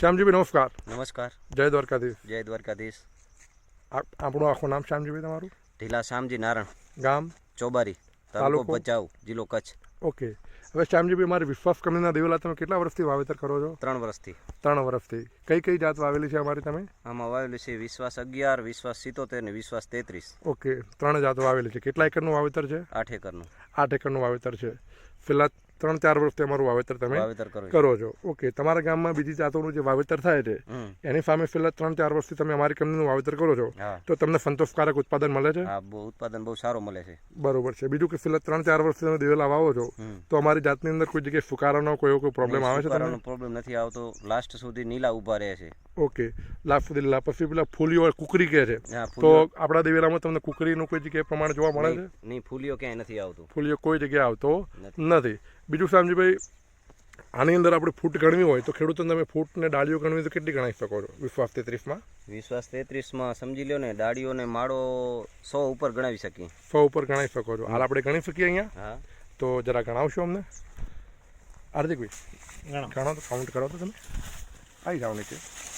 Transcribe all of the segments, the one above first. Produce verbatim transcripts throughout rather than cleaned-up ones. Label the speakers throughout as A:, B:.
A: શ્યામજીભાઈ નમસ્કાર.
B: નમસ્કાર.
A: જય દ્વારકાધીશ.
B: જય દ્વારકાધીશ.
A: આપણું આખું નામ શ્યામજીભાઈ તમારું?
B: ઢીલા શામજી નારણ,
A: ગામ
B: ચોબારી, તાલુકો ભચાઉ, જિલ્લો કચ્છ.
A: ઓકે. હવે શ્યામજીભાઈ, મારી વિશ્વાસ કંપનીના દિવેલા તમે કેટલા વર્ષથી વાવેતર કરો છો?
B: ત્રણ વર્ષથી.
A: ત્રણ વર્ષથી. કઈ કઈ જાત વાવેલી છે અમારી તમે?
B: આમાં વાવેલી છે વિશ્વાસ અગિયાર, વિશ્વાસ સિત્તોતેર ને વિશ્વાસ તેત્રીસ.
A: ઓકે, ત્રણ જાત વાવેલી છે. કેટલા એકરનું વાવેતર છે?
B: આઠ એકરનું.
A: આઠ એકરનું વાવેતર છે. પેલા ત્રણ ચાર વર્ષથી અમારું વાવેતર તમે
B: વાવેતર
A: કરો છો. ઓકે. તમારા ગામમાં બીજી જાતોનું જે વાવેતર થાય છે એની સામે છેલ્લા ત્રણ ચાર વર્ષથી તમે અમારી કંપનીનું વાવેતર કરો છો, તો તમને સંતોષકારક ઉત્પાદન મળે છે?
B: હા, બહુ ઉત્પાદન બહુ સારો મળે છે.
A: બરોબર છે. બીજું કે છેલ્લા ત્રણ ચાર વર્ષથી તમે દિવેલા વાવો છો તો અમારી જાતની અંદર કોઈ જગ્યાએ ફુકારાનો કોઈ કોઈ પ્રોબ્લેમ આવે છે?
B: ફુકારાનો પ્રોબ્લેમ નથી આવતો. લાસ્ટ સુધી નીલા ઉભા રહે છે.
A: ઓકે. લાસ્ટ સુધી લીલા. પછી પેલા ફૂલીઓ કુકરી કહે છે, તો આપણા દિવેલામાં તમને કુકરીનું કોઈ જગ્યાએ પ્રમાણ જોવા મળે છે?
B: નહીં, ફૂલીઓ ક્યાંય નથી આવતું.
A: ફૂલીઓ કોઈ જગ્યાએ આવતો નથી. બીજું શામજીભાઈ, આની અંદર આપણે ફૂટ ગણવી હોય તો ખેડૂતોને તમે ફૂટ ને ડાળીઓ ગણવી તો કેટલી ગણાવી શકો છો વિશ્વાસ તેત્રીસમાં?
B: વિશ્વાસ તેત્રીસમાં સમજી લો ને, ડાળીઓ ને માળો સો ઉપર ગણાવી શકીએ.
A: સો ઉપર ગણાવી શકો છો. હાલ આપણે ગણી શકીએ અહીંયા?
B: હા.
A: તો જરા ગણાવશો અમને? હાર્દિકભાઈ ગણો તો, કાઉન્ટ કરો તો તમે. આવી જાઓ નીચે.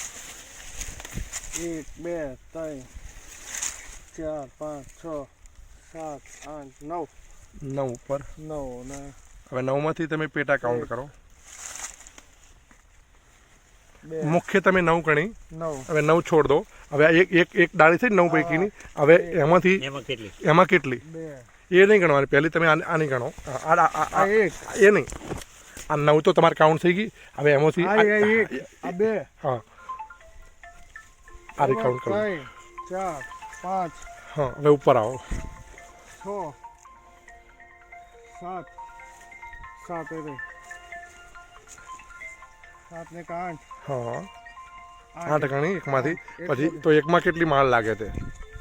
C: એક બે ત્રણ ચાર પાંચ છ સાત આઠ નવ.
A: નવ ઉપર.
C: નવ ને
A: હવે નવમાંથી તમે પેટા કાઉન્ટ કરો. મુખ્ય તમે નવ ગણી.
C: નવ.
A: હવે નવ છોડ દો. હવે એક એક એક ડાળી થઈ નવ પૈકીની. હવે એમાંથી એમાં કેટલી એ નહીં ગણવાની. પહેલી તમે આની ગણો. એ નહીં, આ નવ તો તમારે કાઉન્ટ થઈ ગઈ. હવે એમાંથી
C: બે.
A: હા, આ કાઉન્ટ કરો.
C: ચાર પાંચ.
A: હા, હવે ઉપર આવો.
C: છ સાત. સાત એ સાત ને આઠ.
A: હા, આઠ ગણી એકમાંથી. પછી તો એકમાં કેટલી માળ લાગે છે?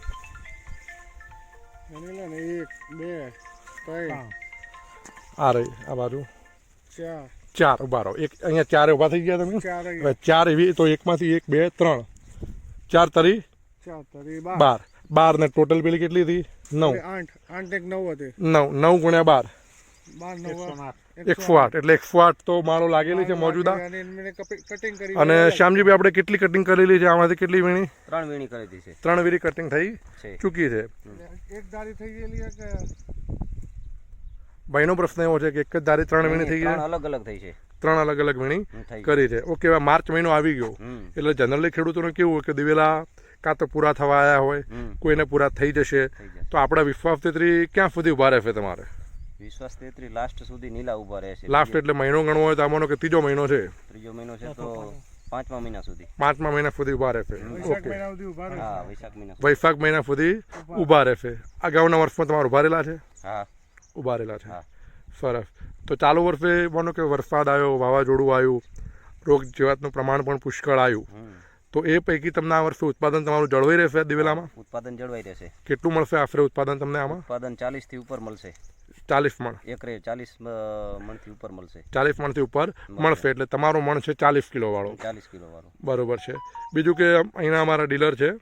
C: એક બે ત્રણ.
A: આ રહી આ બાજુ
C: ચાર.
A: ચાર. ઉભા રહો. એક અહીંયા ચાર ઉભા થઈ ગયા તમે. હવે ચાર એવી તો એકમાંથી એક બે ત્રણ ચાર તરી
C: ચાર તરી
A: બાર. બાર ને ટોટલ પેલી કેટલી હતી? નવ.
C: આઠ. આઠ એક નવ હતી.
A: નવ. નવ ગુણ્યા બાર
C: બાર નવ
A: એકસો આઠ. એટલે એકસો આઠ તો માળો લાગેલી છે મોજુદા.
C: કટિંગ કરી.
A: અને શ્યામજીભાઈ, આપણે કેટલી કટિંગ કરેલી છે? આમાંથી કેટલી વીણી?
B: ત્રણ વીણી કરેલી છે.
A: ત્રણ વીણી કટિંગ થઈ ચૂકી છે.
C: એક ધારી થઈ ગયેલી કે
A: ભાઈનો પ્રશ્ન એવો છે કે એક જ ધારી ત્રણ વીણી થઈ ગઈ?
B: અલગ અલગ થઈ છે.
A: ત્રણ અલગ અલગ વીણી કરી છે. ઓકે. હવે માર્ચ મહિનો આવી ગયો એટલે જનરલી ખેડૂતોને કેવું હોય કે દિવેલા કાં તો પૂરા થવા આવ્યા હોય, કોઈને પૂરા થઈ જશે, તો આપણા વિશ્વાસ તેત્રી ક્યાં સુધી ઉભા રહેશે તમારે?
B: વિશ્વાસ તેત્રી લાસ્ટ સુધી નીલા ઉભા રહે છે.
A: લાસ્ટ એટલે મહિનો ગણવો હોય તો આમાંનો કે ત્રીજો મહિનો છે?
B: ત્રીજો મહિનો છે તો પાંચમા મહિના સુધી.
A: પાંચમા મહિના સુધી ઉભા રહેશે.
C: વૈશાખ મહિના સુધી ઉભા રહે.
B: હા, વૈશાખ મહિના.
A: વૈશાખ મહિના સુધી ઉભા રહેશે. અગાઉના વર્ષમાં તમારે ઉભા રહેલા છે?
B: હા,
A: ઉભા રહેલા છે. સરસ. તો ચાલુ વર્ષે માનો કે વરસાદ આવ્યો, વાવાઝોડું આવ્યું, રોગ જીવાતનું પ્રમાણ પણ પુષ્કળ આવ્યું, તો એ પૈકી તમને આ વર્ષે ઉત્પાદન તમારું જળવાઈ રહેશે દિવેલામાં?
B: ઉત્પાદન જળવાઈ રહેશે.
A: કેટલું મળશે આશરે ઉત્પાદન તમને આમાં?
B: ઉત્પાદન ચાલીસ થી ઉપર મળશે.
A: ચાલીસ મણ
B: એકરે ચાલીસ મણ થી ઉપર મળશે.
A: ચાલીસ મણ થી ઉપર મળશે. એટલે તમારો મણ છે ચાલીસ કિલો વાળો.
B: ચાલીસ કિલો વાળો.
A: બરોબર છે. બીજું કે અહીંના અમારા ડીલર છે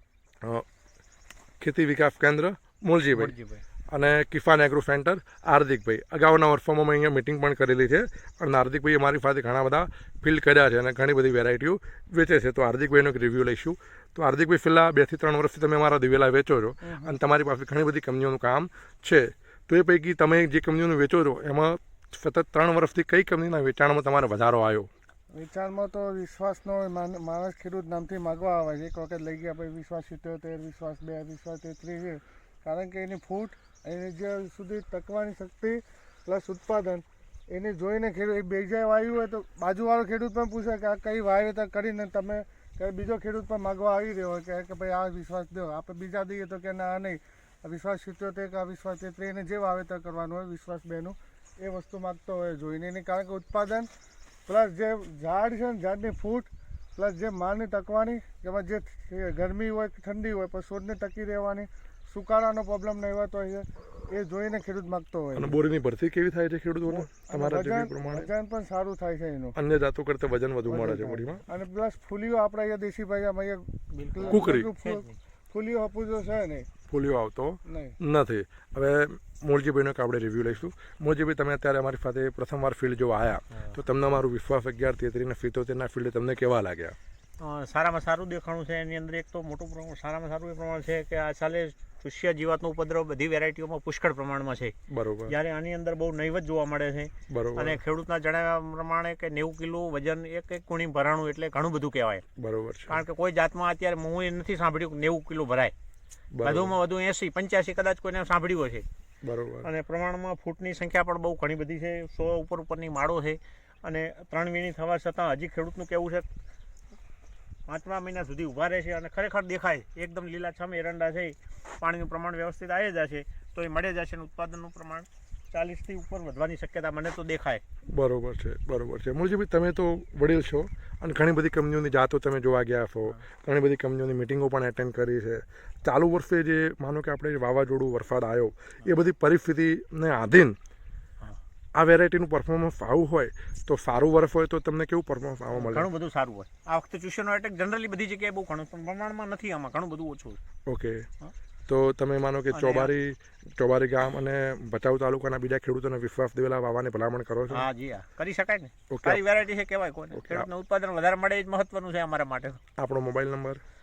A: ખેતી વિકાસ કેન્દ્ર મૂલજીભાઈ અને કિસાન એગ્રો સેન્ટર હાર્દિકભાઈ. અગાઉના વર્ષોમાં મેં અહીંયા મિટિંગ પણ કરેલી છે અને હાર્દિકભાઈ અમારી પાસે ઘણા બધા ફિલ્ડ કર્યા છે અને ઘણી બધી વેરાયટીઓ વેચે છે. તો હાર્દિકભાઈનો એક રિવ્યૂ લઈશું. તો હાર્દિકભાઈ, છેલ્લા બે થી ત્રણ વર્ષથી તમે અમારા દિવેલા વેચો છો અને તમારી પાસે ઘણી બધી કંપનીઓનું કામ છે. તો એ પૈકી તમે જે કંપનીઓનું વેચો છો એમાં સતત ત્રણ વર્ષથી કઈ કંપનીના વેચાણમાં તમારે વધારો આવ્યો?
C: વેચાણમાં તો વિશ્વાસનો માણસ ખેડૂત નામથી માગવા આવે છે. એક વખત લઈ ગયા પછી વિશ્વાસ સિત્તોતેર, વિશ્વાસ બે, વિશ્વાસ તેત્રીસ છે. કારણ કે એની ફૂટ, એની જે સુધી ટકવાની શક્તિ પ્લસ ઉત્પાદન એને જોઈને ખેડૂત બીજા વાવ્યું હોય તો બાજુવાળો ખેડૂત પણ પૂછે કે આ કઈ વાવેતર કરીને તમે બીજો ખેડૂત પણ માગવા આવી રહ્યો હોય કે ભાઈ આ વિશ્વાસ દો. આપણે બીજા દઈએ તો કે ના નહીં, વિશ્વાસ સિત્તોતેર કે વિશ્વાસ તેત્રીસ એને જે વાવેતર કરવાનું હોય વિશ્વાસ બેનું એ વસ્તુ માગતો હોય જોઈને. એની કારણ કે ઉત્પાદન પ્લસ જે ઝાડ છે ને ઝાડની ફૂટ પ્લસ જે માળની ટકવાની, જેમાં જે ગરમી હોય કે ઠંડી હોય પણ છોડને ટકી રહેવાની, સુકારાનો પ્રોબ્લેમ નહીં હોતો હોય છે એ જોઈને ખેડૂત માગતો હોય.
A: અને બોરીની ભરતી કેવી થાય છે ખેડૂતોને? તમારા જગ્યા પ્રમાણે
C: વજન પણ સારું થાય છે એનું.
A: અન્ય જાતો કરતા વજન વધુ મળે છે બોરીમાં.
C: અને પ્લસ ફૂલીઓ આપણે અહીંયા દેશી ભાઈ કુકરી ફૂલીઓ હપુજો છે નહીં.
A: ફૂલીઓ આવતો
C: નહીં.
A: નથી. હવે મૂળજીભાઈનો એક આપણે રિવ્યૂ લઈશું. મૂળજીભાઈ, તમે અત્યારે અમારી સાથે પ્રથમવાર ફિલ્ડ જો આવ્યા તો તમને અમારું વિશ્વાસ અગિયાર તેત્રીસ ને સિત્તોતેરના ફિલ્ડ તમને કેવા લાગ્યા?
D: અ, સારામાં સારું દેખાણું છે. એની અંદર એક તો મોટું પ્રમાણ સારામાં સારું એ પ્રમાણ છે કે આ સાલે ચૂસ્યા જીવાતનો ઉપદ્રવ બધી વેરાયટીઓમાં પુષ્કળ પ્રમાણમાં છે.
A: બરોબર.
D: જ્યારે આની અંદર બહુ નહીવત જોવા મળે છે.
A: બરોબર.
D: અને ખેડૂતના જણાવ્યા પ્રમાણે કે નેવું કિલો વજન એક એક કુણી ભરાણું એટલે ઘણું બધું કહેવાય.
A: બરોબર છે.
D: કારણ કે કોઈ જાતમાં અત્યારે હું એ નથી સાંભળ્યું કે નેવું કિલો ભરાય. વધુમાં વધુ એસી પંચ્યાસી કદાચ કોઈને સાંભળ્યું છે.
A: બરોબર.
D: અને પ્રમાણમાં ફૂટની સંખ્યા પણ બહુ ઘણી બધી છે. સો ઉપર ઉપરની માળો છે. અને ત્રણ વીણી થવા છતાં હજી ખેડૂતનું કહેવું છે પાંચમા મહિના સુધી ઊભા રહે છે અને ખરેખર દેખાય એકદમ લીલાછમ એરંડા છે. પાણીનું પ્રમાણ વ્યવસ્થિત આવી જશે તો એ મળે જશે અને ઉત્પાદનનું પ્રમાણ ચાલીસથી ઉપર વધવાની શક્યતા મને તો દેખાય.
A: બરોબર છે. બરોબર છે. મૂળજીભાઈ, તમે તો વડીલ છો અને ઘણી બધી કંપનીઓની જાતો તમે જોવા ગયા છો, ઘણી બધી કંપનીઓની મિટિંગો પણ એટેન્ડ કરી છે. ચાલુ વર્ષે જે માનો કે આપણે વાવાઝોડું વરસાદ આવ્યો એ બધી પરિસ્થિતિને આધીન આ વેરાયટીનું પરફોર્મન્સ સારું હોય તો સારું વર્ષ હોય તો તમને કેવું પરફોર્મન્સ આવવા મળે?
D: ઘણું બધું સારું હોય. આ વખતે ચૂસ્યાનો એટેક જનરલી બધી જગ્યાએ બહુ ઘણું પણ પ્રમાણમાં નથી. આમાં ઘણું બધું ઓછું.
A: ઓકે. તો તમે માનો કે ચોબારી ચોબારી ગામ અને ભચાઉ તાલુકાના બીજા ખેડૂતોને વિશ્વાસ દેવેલા વાવવાની ભલામણ કરો છો?
D: હા જી, હા કરી શકાય ને.
A: ઓકે.
D: સારી વેરાયટી છે કહેવાય કોને. ખેડૂતને ઉત્પાદન વધારે મળે એ જ મહત્વનું છે અમારા માટે.
A: આપણો મોબાઈલ નંબર?